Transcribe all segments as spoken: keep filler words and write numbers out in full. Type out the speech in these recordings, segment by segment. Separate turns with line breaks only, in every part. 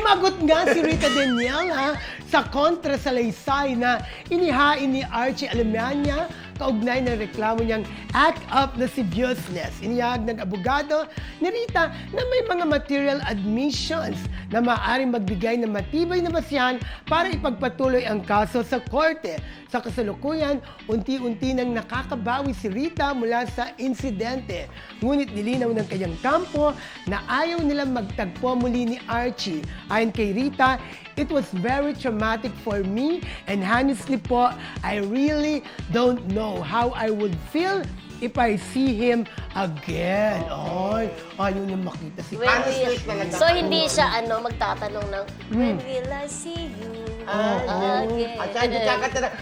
Sumagot nga si Rita Daniela sa kontra sa laysay na inihain ni Archie Alemania kaugnay ng reklamo niyang act of lasciviousness. Inihag ng abogado ni Rita na may mga material admissions na maaaring magbigay ng matibay na basihan para ipagpatuloy ang kaso sa korte. Sa kasalukuyan, unti-unti nang nakakabawi si Rita mula sa insidente. Ngunit nilinaw ng kanyang kampo na ayaw nilang magtagpo muli ni Archie. Ayon kay Rita, it was very traumatic for me and honestly po, I really don't know how I would feel if I see him again. Ay, ayaw niya makita si
When
Honestly,
will-
talaga.
so hindi siya ano magtatanong ng when will I see you again?
At saka hindi kakanta na,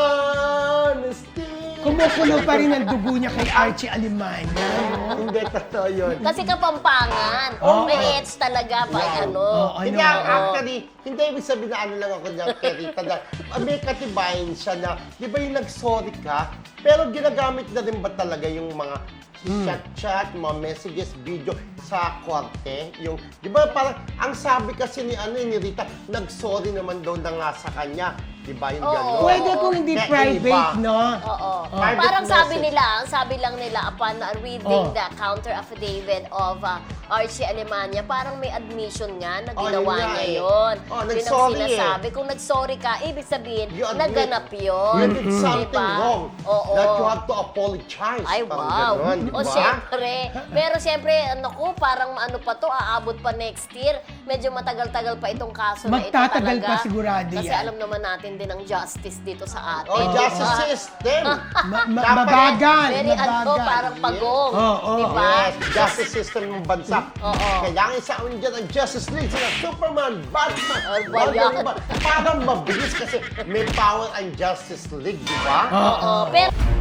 honesty.
Kumukulo pa rin ang dugo niya kay Archie Alemania. no?
Hindi, totoo yun.
Kasi kapampangan.
Oo.
May hits talaga pa
Yeah.
ano.
Oo,
Hindi,
ano,
ang
oo.
actually, hindi ibig sabihin na ano lang ako niya kay Rita na ah, may katibayan siya na, di ba yung nag-sorry ka, pero ginagamit na rin ba talaga yung mga chat-chat, mga messages, video sa korte? Yung, di ba parang, ang sabi kasi ni, ano, ni Rita, nag-sorry naman daw na nga sa kanya. Di ba yung
Oo.
gano'n?
Pwede kung hindi
Kaya
private,
iba.
no?
Oo.
Private
Parang sabi
message.
nila, ang sabi lang nila upon uh, reading
Oh.
the counter affidavit of uh, Archie Alemania, parang may admission nga na
Oh,
ginawa
yun nga
niya
eh.
yun.
Oh,
Yun ang
nag-sorry eh.
sinasabi. Kung nag-sorry ka, ibig sabihin,
You admit.
naganap yun.
You did something
Diba?
wrong.
Oo.
That you have to apologize.
Ay,
Parang
wow.
ganon, di
O,
ba?
syempre. Pero syempre, ano ko, parang ano pa to, aabot pa next year. Medyo matagal-tagal pa itong kaso na ito
Magtatagal
talaga.
pa sigurado
Kasi
yan.
alam naman natin din ang justice dito sa atin.
Oh,
di
justice
ba?
system.
Ma- ma-
Dapat-
mabagal,
Very ano,
mabagal.
parang pagong.
Oo, oo.
Di ba?
Yes, justice system ng bansa.
Oo.
Kailangan isaon dyan ang Justice League sila Superman, Batman,
Ano ba
Wonder
yan?
Woman. Para mabilis kasi may power ang Justice League, di ba?
Oo. Pero